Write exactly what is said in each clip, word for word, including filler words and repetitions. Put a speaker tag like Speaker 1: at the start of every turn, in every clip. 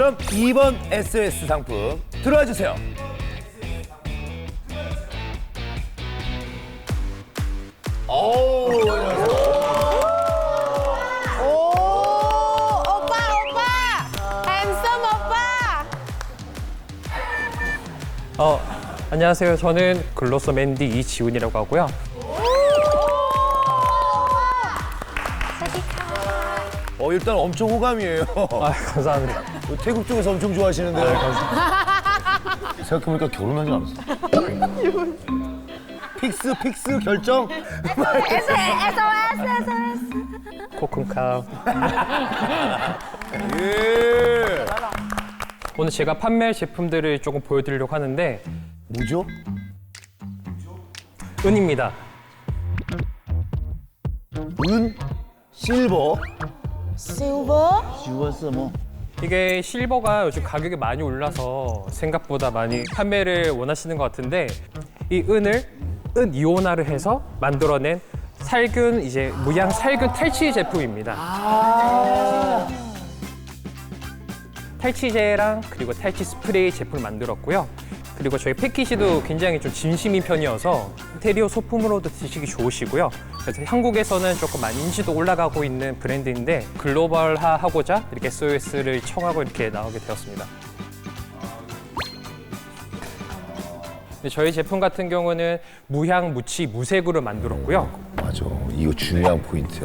Speaker 1: 그럼 이 번 에스오에스 상품 들어와 주세요. 오,
Speaker 2: 오, 오빠, 오빠! 햄섬 오빠!
Speaker 3: 어, 안녕하세요. 저는 글로서 맨디 이지훈이라고 하고요.
Speaker 1: 어, 일단 엄청 호감이에요.
Speaker 3: 아, 감사합니다.
Speaker 1: 태국 쪽에서 엄청 좋아하시는데요. 생각해보니까 결혼하지 않았어. 픽스, 픽스 결정?
Speaker 2: 에스오에스, 에스오에스.
Speaker 3: 코쿤카.
Speaker 1: 예.
Speaker 3: 오늘 제가 판매할 제품들을 조금 보여드리려고 하는데
Speaker 1: 뭐죠?
Speaker 3: 은입니다.
Speaker 1: 은, 실버.
Speaker 2: 실버?
Speaker 1: 지웠어, 뭐.
Speaker 3: 이게 실버가 요즘 가격이 많이 올라서 생각보다 많이 판매를 원하시는 것 같은데 이 은을 은 이온화를 해서 만들어낸 살균 이제 무향 살균 탈취 제품입니다. 탈취제랑 그리고 탈취 스프레이 제품을 만들었고요. 그리고 저희 패키지도 굉장히 좀 진심인 편이어서 인테리어 소품으로도 드시기 좋으시고요. 그래서 한국에서는 조금 많이 인지도 올라가고 있는 브랜드인데 글로벌화하고자 이렇게 에스오에스를 청하고 이렇게 나오게 되었습니다. 근데 저희 제품 같은 경우는 무향, 무치, 무색으로 만들었고요.
Speaker 1: 맞아. 이거 중요한 포인트야.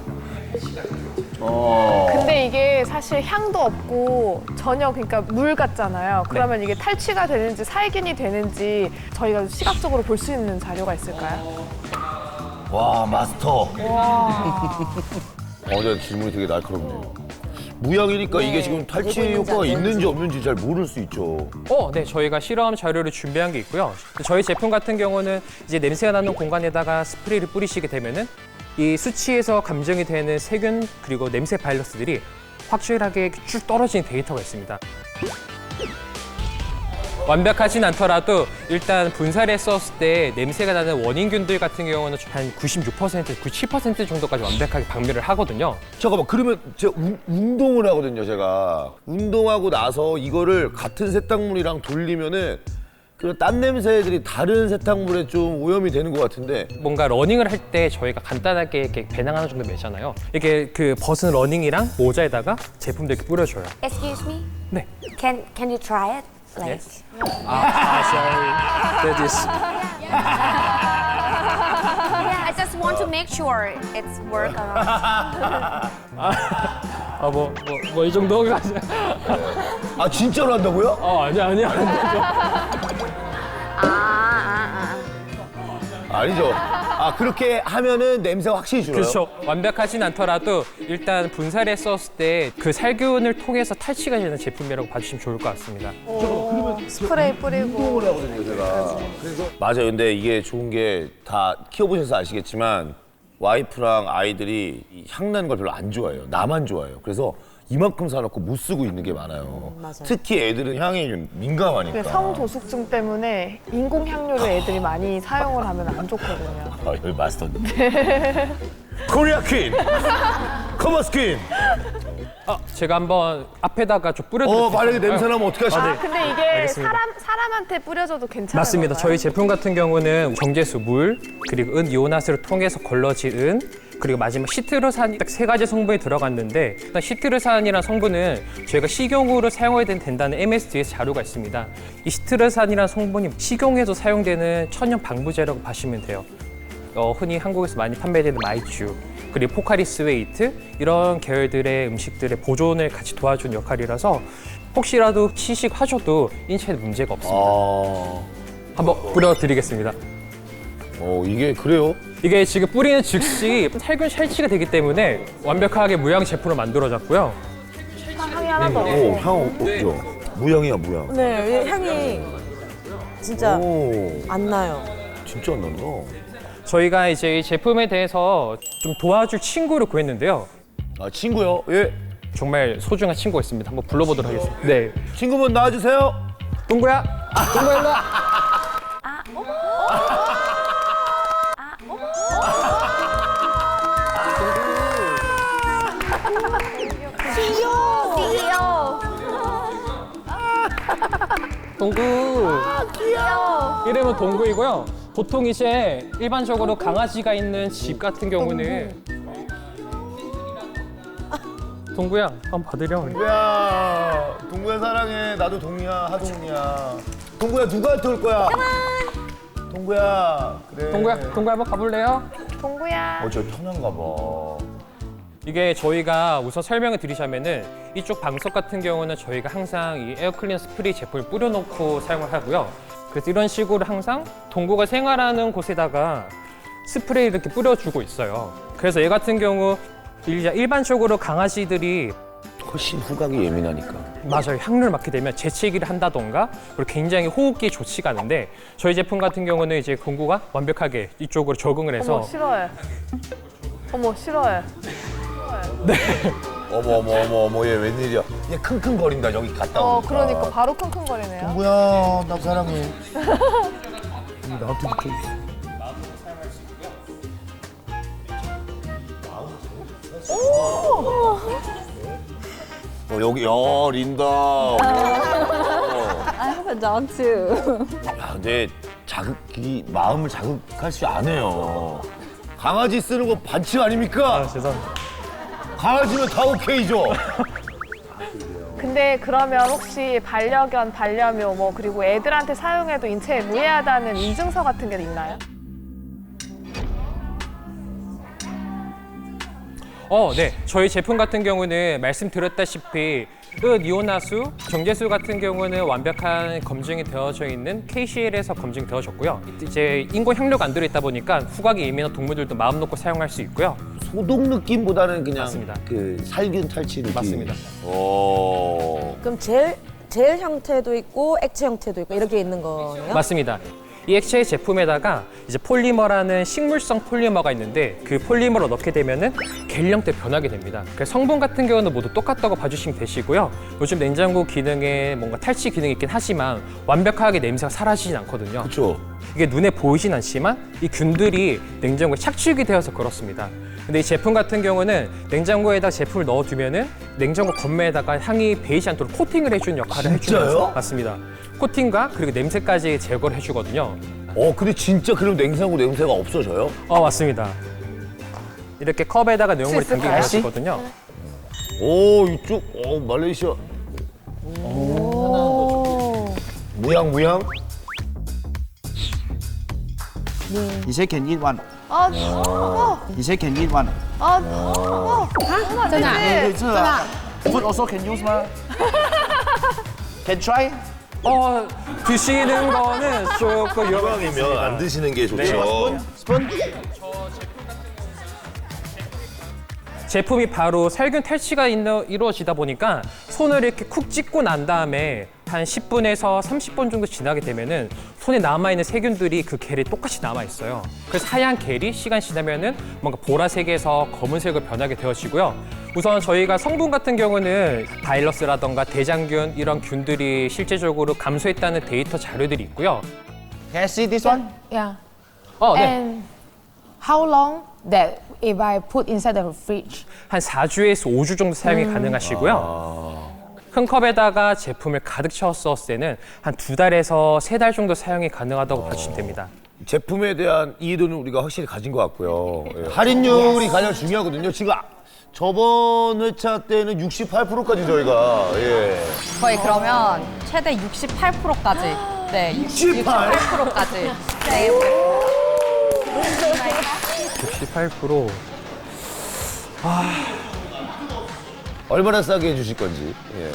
Speaker 2: 근데 이게 사실 향도 없고 전혀 그러니까 물 같잖아요. 그러면 이게 탈취가 되는지 살균이 되는지 저희가 시각적으로 볼 수 있는 자료가 있을까요?
Speaker 1: 와, 마스터. 와. 어제 질문이 되게 날카롭네요. 무향이니까 이게 지금 탈취 효과가 있는지 없는지 잘 모를 수 있죠.
Speaker 3: 어, 네, 저희가 실험 자료를 준비한 게 있고요. 저희 제품 같은 경우는 이제 냄새가 나는 공간에다가 스프레이를 뿌리시게 되면은 이 수치에서 감정이 되는 세균 그리고 냄새 바이러스들이 확실하게 쭉 떨어지는 데이터가 있습니다. 완벽하진 않더라도 일단 분사를 했었을 때 냄새가 나는 원인균들 같은 경우는 한 구십육 퍼센트, 구십칠 퍼센트 정도까지 완벽하게 박멸을 하거든요.
Speaker 1: 잠깐만, 그러면 제가 우- 운동을 하거든요, 제가. 운동하고 나서 이거를 같은 세탁물이랑 돌리면은 그 딴 냄새들이 다른 세탁물에 좀 오염이 되는 것 같은데.
Speaker 3: 뭔가 러닝을 할 때 저희가 간단하게 이렇게 배낭 하나 정도 매잖아요. 이게 그 벗은 러닝이랑 모자에다가 제품들 이렇게 뿌려줘요.
Speaker 4: Excuse me?
Speaker 3: 네.
Speaker 4: Can can you try it? Like
Speaker 3: Yes. 아, sorry. That is.
Speaker 4: yeah, I just want to make sure it's work or not.
Speaker 3: 아, 뭐, 뭐, 뭐 이 정도까지.
Speaker 1: 아, 진짜로 한다고요?
Speaker 3: 어, 아니야, 아니야.
Speaker 4: 아, 아, 아.
Speaker 1: 아니죠. 아, 그렇게 하면은 냄새가 확실히 줄어요?
Speaker 3: 그렇죠. 완벽하진 않더라도 일단 분사를 했었을 때 그 살균을 통해서 탈취가 되는 제품이라고 봐주시면 좋을 것 같습니다.
Speaker 2: 스프레이 뿌리고.
Speaker 1: 하거든요, 제가. 그래서 맞아요. 근데 이게 좋은 게 다 키워보셔서 아시겠지만 와이프랑 아이들이 이 향나는 걸 별로 안 좋아해요. 나만 좋아해요. 그래서 이만큼 사놓고 못 쓰고 있는 게 많아요. 특히 애들은 향에 좀 민감하니까.
Speaker 2: 그 성도숙증 때문에 인공 향료를 애들이 많이 사용을 하면 안 좋거든요.
Speaker 1: 아, 여기 마스터님. 코리아 퀸! 커머스 퀸!
Speaker 3: 아, 제가 한번 앞에다가 좀
Speaker 1: 어,
Speaker 3: 뿌려드릴게요.
Speaker 1: 만약에 냄새 나면 어떡하시죠?
Speaker 2: 아, 근데 이게
Speaker 3: 알겠습니다.
Speaker 2: 사람, 사람한테 뿌려줘도 괜찮아요.
Speaker 3: 맞습니다. 저희 제품 같은 경우는 정제수, 물, 그리고 은 이온화스를 통해서 걸러진 은, 그리고 마지막 시트르산 딱 세 가지 성분이 들어갔는데 일단 시트르산이라는 성분은 저희가 식용으로 사용해야 된다는 엠에스디에스 자료가 있습니다. 이 시트르산이라는 성분이 식용에도 사용되는 천연 방부제라고 보시면 돼요. 어, 흔히 한국에서 많이 판매되는 마이쮸, 그리고 포카리스 웨이트 이런 계열들의 음식들의 보존을 같이 도와주는 역할이라서 혹시라도 시식하셔도 인체에 문제가 없습니다.
Speaker 1: 아,
Speaker 3: 한번 뿌려드리겠습니다.
Speaker 1: 어, 이게 그래요?
Speaker 3: 이게 지금 뿌리는 즉시 살균 탈취가 되기 때문에 완벽하게 무향 제품으로 만들어졌고요.
Speaker 2: 향이 하나도 없고.
Speaker 1: 오, 향 없죠? 무향이야, 무향.
Speaker 5: 네, 향이 진짜
Speaker 1: 오,
Speaker 5: 안 나요.
Speaker 1: 진짜 안 난다.
Speaker 3: 저희가 이제 이 제품에 대해서 좀 도와줄 친구를 구했는데요.
Speaker 1: 아, 친구요? 예.
Speaker 3: 정말 소중한 친구가 있습니다. 한번 불러보도록 하겠습니다. 네,
Speaker 1: 친구분 나와주세요.
Speaker 3: 동구야, 동구야 일로 와.
Speaker 4: 씨이오.
Speaker 3: 동구. 귀여워. 이름은 동구이고요. 보통 이제 일반적으로 강아지가 있는 집 같은 경우는 동구야, 한번 받으려.
Speaker 1: 동구야, 동구야 사랑해. 나도 동이야, 하동이야. 동구야 누구한테 올 거야? 동구야, 그래.
Speaker 3: 동구야, 동구야 한번 가볼래요?
Speaker 2: 동구야.
Speaker 1: 어, 저 편한가 봐.
Speaker 3: 이게 저희가 우선 설명을 드리자면은 이쪽 방석 같은 경우는 저희가 항상 이 에어클리너 스프레이 제품을 뿌려놓고 사용을 하고요. 그래서 이런 식으로 항상 동구가 생활하는 곳에다가 스프레이를 이렇게 뿌려주고 있어요. 그래서 얘 같은 경우 일- 일반적으로 강아지들이
Speaker 1: 훨씬 후각이 예민하니까.
Speaker 3: 맞아요. 향을 맡게 되면 재채기를 한다던가 그리고 굉장히 호흡기 좋지가 않은데 저희 제품 같은 경우는 이제 공구가 완벽하게 이쪽으로 적응을 해서
Speaker 2: 어머 싫어해. 어머 싫어해.
Speaker 1: 어머 어머 어머 어머 얘 웬일이야? 얘 킁킁거린다 여기 갔다
Speaker 2: 어
Speaker 1: 오니까.
Speaker 2: 그러니까 바로 킁킁거리네요.
Speaker 1: 동구야 나 사랑해. 나한테 붙어 있어. 어, 여기 야 린다. 어.
Speaker 5: I have a dog too.
Speaker 1: 야, 근데 자극이 마음을 자극할 수 안 해요. 강아지 쓰는 거 반칙 아닙니까?
Speaker 3: 아, 죄송합니다.
Speaker 1: 강아지면 다 오케이죠.
Speaker 2: 근데 그러면 혹시 반려견, 반려묘 뭐 그리고 애들한테 사용해도 인체에 무해하다는 인증서 같은 게 있나요?
Speaker 3: 어, 네. 저희 제품 같은 경우는 말씀드렸다시피 은 이온화수, 정제수 같은 경우는 완벽한 검증이 되어져 있는 케이씨엘에서 검증되어졌고요. 이제 인공 향료가 안 들어있다 보니까 후각이 예민한 동물들도 마음 놓고 사용할 수 있고요.
Speaker 1: 소독 느낌보다는 그냥
Speaker 3: 맞습니다.
Speaker 1: 그 살균 탈취 느낌.
Speaker 3: 맞습니다.
Speaker 1: 오.
Speaker 5: 그럼 젤, 젤 형태도 있고 액체 형태도 있고 이렇게 있는 거네요?
Speaker 3: 맞습니다. 이 액체 제품에다가 이제 폴리머라는 식물성 폴리머가 있는데 그 폴리머를 넣게 되면은 겔 형태 변하게 됩니다. 그래서 성분 같은 경우는 모두 똑같다고 봐주시면 되시고요. 요즘 냉장고 기능에 뭔가 탈취 기능이 있긴 하지만 완벽하게 냄새가 사라지진 않거든요.
Speaker 1: 그렇죠.
Speaker 3: 이게 눈에 보이진 않지만 이 균들이 냉장고에 착취가 되어서 그렇습니다. 근데 이 제품 같은 경우는 냉장고에다 제품을 넣어두면은 냉장고 겉면에다가 향이 배이지 않도록 코팅을 해주는 역할을
Speaker 1: 진짜요?
Speaker 3: 해주면서 맞습니다. 코팅과 그리고 냄새까지 제거를 해주거든요.
Speaker 1: 어 근데 진짜 그럼 냉장고 냄새가 없어져요?
Speaker 3: 어 맞습니다. 이렇게 컵에다가 내용물이
Speaker 2: 있을까요?
Speaker 3: 담기게 되어있거든요.
Speaker 1: 오 이쪽 어 말레이시아 무향 무향.
Speaker 6: You say can eat one.
Speaker 2: 아, 어,
Speaker 6: You say can eat one.
Speaker 2: 아, 어, 안 되지.
Speaker 6: 是啊 Food also can use 吗 Can try.
Speaker 3: 어 드시는 거는 조금
Speaker 1: 무향이면 안 드시는 게 좋죠.
Speaker 6: Spoon.
Speaker 3: 제품이 바로 살균 탈취가 있는- 이루어지다 보니까 손을 이렇게 쿡 찍고 난 다음에 한 십 분에서 삼십 분 정도 지나게 되면은 손에 남아있는 세균들이 그 겔이 똑같이 남아있어요. 그래서 하얀 겔이 시간 지나면은 뭔가 보라색에서 검은색으로 변하게 되어지고요. 우선 저희가 성분 같은 경우는 바이러스라던가 대장균 이런 균들이 실제적으로 감소했다는 데이터 자료들이 있고요.
Speaker 6: Can I see this one?
Speaker 7: Yeah.
Speaker 3: 어, 네.
Speaker 7: And how long that if I put inside the fridge?
Speaker 3: 한 사 주에서 오 주 정도 사용이 가능하시고요. 큰 컵에다가 제품을 가득 채웠을 때는 한 두 달에서 세 달 정도 사용이 가능하다고 봐주시면 됩니다.
Speaker 1: 제품에 대한 이해도는 우리가 확실히 가진 것 같고요. 예. 할인율이 가장 중요하거든요. 지금 아- 저번 회차 때는 육십팔 퍼센트까지 저희가 예.
Speaker 4: 저희 그러면 최대 육십팔 퍼센트까지. 네,
Speaker 1: 육십팔?
Speaker 4: 육십팔 퍼센트까지. 네.
Speaker 3: 육십팔 퍼센트.
Speaker 1: 얼마나 싸게 해주실 건지. 예.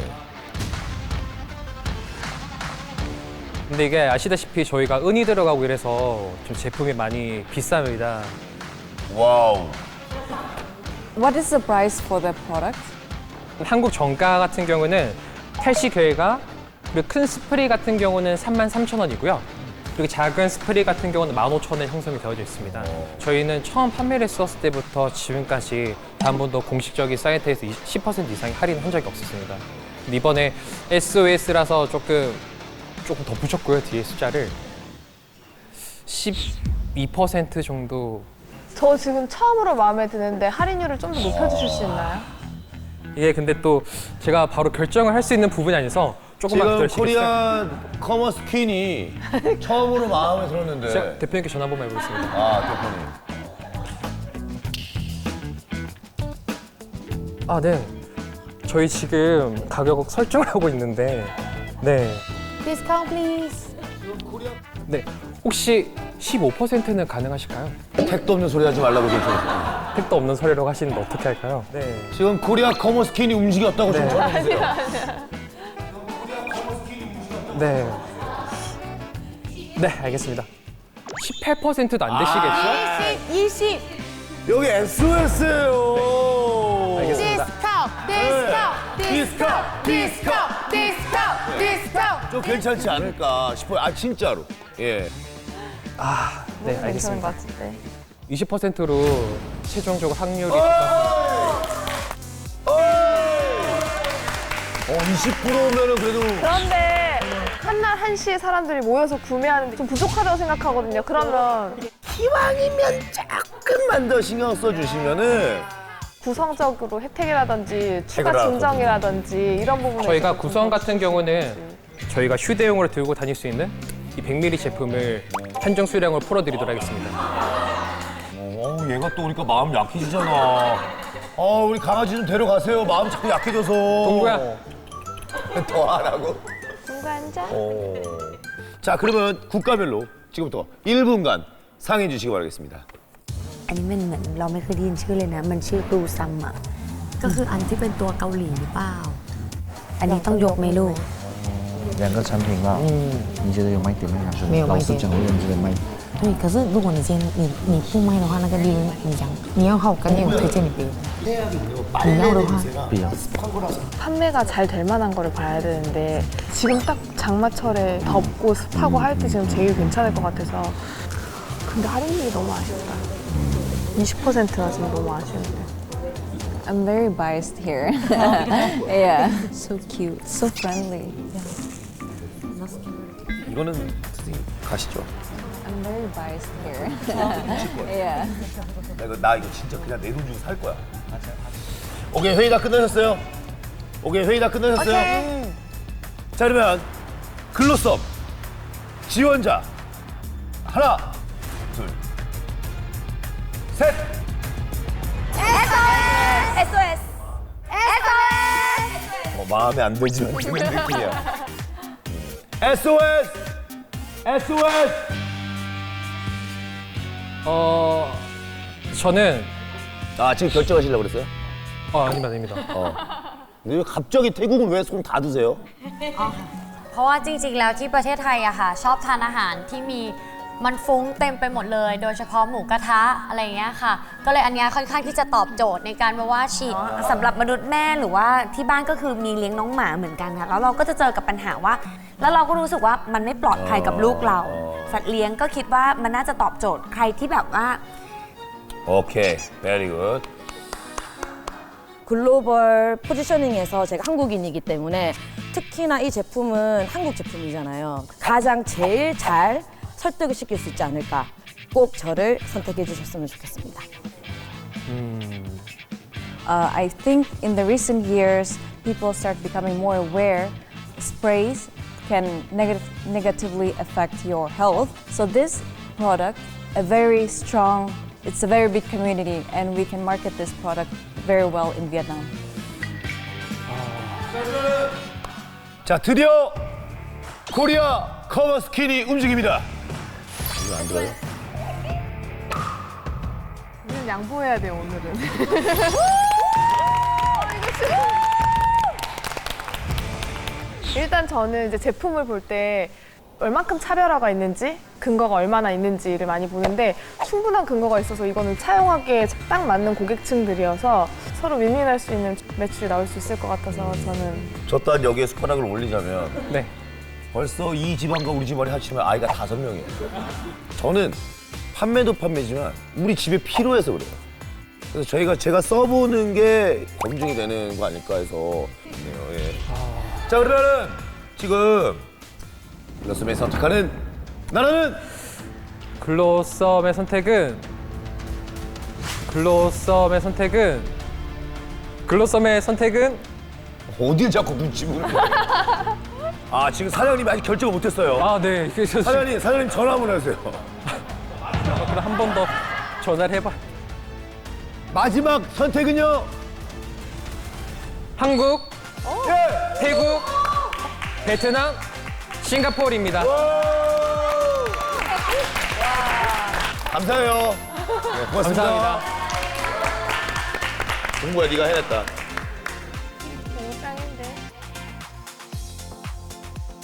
Speaker 3: 근데 이게 아시다시피 저희가 은이 들어가고 이래서 좀 제품이 많이 비쌉니다.
Speaker 1: 와우.
Speaker 7: What is the price for the product?
Speaker 3: 한국 정가 같은 경우는 탈시 결과 그리고 큰 스프레이 같은 경우는 삼만 삼천 원이고요. 그리고 작은 스프레이 같은 경우는 만 오천 원 형성이 되어져 있습니다. 저희는 처음 판매를 했었을 때부터 지금까지 단 한 번도 공식적인 사이트에서 십 퍼센트 이상의 할인을 한 적이 없었습니다. 근데 이번에 에스오에스라서 조금 조금 더 붙였고요. 뒤에 숫자를 십이 퍼센트 정도.
Speaker 2: 저 지금 처음으로 마음에 드는데 할인율을 좀 더 높여주실 수 있나요?
Speaker 3: 이게 근데 또 제가 바로 결정을 할 수 있는 부분이 아니라서 조금만
Speaker 1: 지금
Speaker 3: 기다리시겠어요?
Speaker 1: 코리안 커머스 퀸이 처음으로 마음에 들었는데.
Speaker 3: 제가 대표님께 전화 한번 해보겠습니다.
Speaker 1: 아, 대표님.
Speaker 3: 아, 네. 저희 지금 가격 설정을 하고 있는데, 네.
Speaker 7: Discount, please.
Speaker 3: 네. 혹시 십오 퍼센트는 가능하실까요?
Speaker 1: 택도 없는 소리 하지 말라고 좀 좀.
Speaker 3: 택도 없는 소리라고 하시는데 어떻게 할까요? 네.
Speaker 1: 지금 코리아 커머스 퀸이 움직였다고 좀 전해주세요.
Speaker 3: 네. 네, 알겠습니다. 십팔 퍼센트도 안 되시겠죠?
Speaker 7: 이십.
Speaker 1: 여기 에스오에스예요.
Speaker 3: 알겠습니다.
Speaker 7: Discount, discount, discount, discount, discount, discount.
Speaker 1: 좀 괜찮지 않을까 싶어요. 아, 진짜로. 예.
Speaker 3: 아, 네,
Speaker 2: 괜찮은
Speaker 3: 알겠습니다.
Speaker 2: 것 같은데.
Speaker 3: 이십 퍼센트로 최종적으로 확률이
Speaker 1: 어, 이십 퍼센트면은 그래도.
Speaker 2: 그런데 한날 한시에 사람들이 모여서 구매하는데 좀 부족하다고 생각하거든요. 그러면
Speaker 1: 기왕이면 조금만 더 신경 써주시면은.
Speaker 2: 구성적으로 혜택이라든지 추가
Speaker 1: 혜택을
Speaker 2: 증정이라든지 이런 부분에
Speaker 3: 저희가
Speaker 2: 있어서 좀
Speaker 3: 구성
Speaker 2: 더
Speaker 3: 같은 경우는 저희가 휴대용으로 들고 다닐 수 있는 이 백 밀리리터 제품을 한정 수량으로 풀어드리도록 하겠습니다.
Speaker 1: 어, 얘가 또 오니까 마음 약해지잖아. 어, 우리 강아지 좀 데려가세요. 마음 자꾸 약해져서.
Speaker 3: 동구야.
Speaker 1: 더 하라고?
Speaker 2: 중간자.
Speaker 1: 어. 자, 그러면 국가별로 지금부터 일 분간 상해 주시기 바라겠습니다.
Speaker 8: อันนี้มันเหมือนเราไม่เคยได้ยินชื่อเลยนะ มันชื่อบลูซัมอ่ะ ก็คืออันที่เป็นตัวเกาหลีหรือเปล่า อันนี้ต้องยกไหมลูก
Speaker 6: 两个产品吧，你觉得有卖点吗？还是
Speaker 7: 没有卖点
Speaker 6: 老实讲，我认觉得卖点。
Speaker 8: 对，可是如果你今天你你不卖的话，那个利润你讲，
Speaker 7: 你要好干净，我推荐你别。
Speaker 8: 你要的话，
Speaker 6: 不要。
Speaker 2: 판매가 잘 될 만한 거를 봐야 되는데 지금 딱 장마철에 덥고 습하고 할 때 지금 제일 괜찮을 것 같아서 근데 할인율이 너무 아쉽다. 이십 퍼센트가 지금 너무 아쉬운데.
Speaker 9: I'm very biased here. yeah. So cute, so friendly.
Speaker 1: 이거는 선생님 가시죠.
Speaker 9: I'm very biased here. yeah.
Speaker 1: 나 이거, 나 이거 진짜 그냥 내 돈 주고 살 거야. 오케이, 회의 다 끝나셨어요? 오케이, 회의 다 끝나셨어요? 자, 그러면 글로썸 지원자 하나, 둘, 셋.
Speaker 4: 에스오에스.
Speaker 1: 어, 마음에 안 들지만 드는 느낌이야. 에스오에스! 에스오에스!
Speaker 3: 어, 저는
Speaker 1: 아, 지금 결정하시려고 그랬어요?
Speaker 3: 어, 아닙니다, 아닙니다.
Speaker 1: 어. 근데 왜 갑자기 태국은 왜 손 다 드세요?
Speaker 4: เพราะว่าจริงๆ แล้วที่ประเทศไทยอะค่ะ ชอบทานอาหารที่มีมันฟุ้งเต็มไปหมดเลย โดยเฉพาะหมูกระทะอะไรอย่างเงี้ยค่ะ ก็เลยอันเนี้ยค่อนข้างที่จะตอบโจทย์ในการแบบว่าฉีด
Speaker 9: สำหรับมนุษย์แม่หรือว่าที่บ้านก็คือมีเลี้ยงน้องหมาเหมือนกันค่ะ แล้วเราก็จะเจอกับปัญหาว่า แล้วเราก็รู้สึกว่ามันไม่ปลอดภัยกับลูกเรา สัตว์เลี้ยงก็คิดว่ามันน่าจะตอบโจทย์ใครที่แบบว่า
Speaker 1: 오케이, very good.
Speaker 5: 글로벌 포지셔닝에서 제가 한국인이기 때문에 특히나 이 제품은 한국 제품이잖아요. 가장 제일 잘 설득을 시킬 수 있지 않을까. 꼭 저를 선택해 주셨으면 좋겠습니다.
Speaker 9: Uh, I think in the recent years, people start becoming more aware sprays can negative, negatively affect your health. So this product, a very strong, it's a very big community, and we can market this product very well in Vietnam.
Speaker 1: 자, 드디어 코리아 커머스킨이 움직입니다. 이거 안 들어요?
Speaker 2: 우리는 양보해야 돼요, 오늘은. 일단 저는 이제 제품을 볼 때 얼만큼 차별화가 있는지 근거가 얼마나 있는지를 많이 보는데 충분한 근거가 있어서 이거는 차용하기에 딱 맞는 고객층들이어서 서로 윈윈할 수 있는 매출이 나올 수 있을 것 같아서 저는
Speaker 1: 저 또한 여기에 숟가락을 올리자면
Speaker 3: 네.
Speaker 1: 벌써 이 집안과 우리 집안이 합치면 아이가 다섯 명이에요. 저는 판매도 판매지만 우리 집에 필요해서 그래요. 그래서 저희가 제가 써보는 게 검증이 되는 거 아닐까 해서 네요. 예. 자, 그러면 지금 글로썸이 선택하는 나라는
Speaker 3: 글로썸의 선택은 글로썸의 선택은 글로썸의 선택은
Speaker 1: 어딜 자꾸 눈치 보는 거야? 아, 지금 사장님이 아직 결정을 못했어요.
Speaker 3: 아, 네. 그래서
Speaker 1: 사장님, 사장님 전화 한번 하세요.
Speaker 3: 그럼 한 번 더 전화를 해봐.
Speaker 1: 마지막 선택은요?
Speaker 3: 한국,
Speaker 1: 예!
Speaker 3: 태국, 베트남, 싱가포르입니다.
Speaker 1: 감사해요. 네, 고맙습니다.
Speaker 3: 감사합니다.
Speaker 1: 공부야, 네가 해냈다.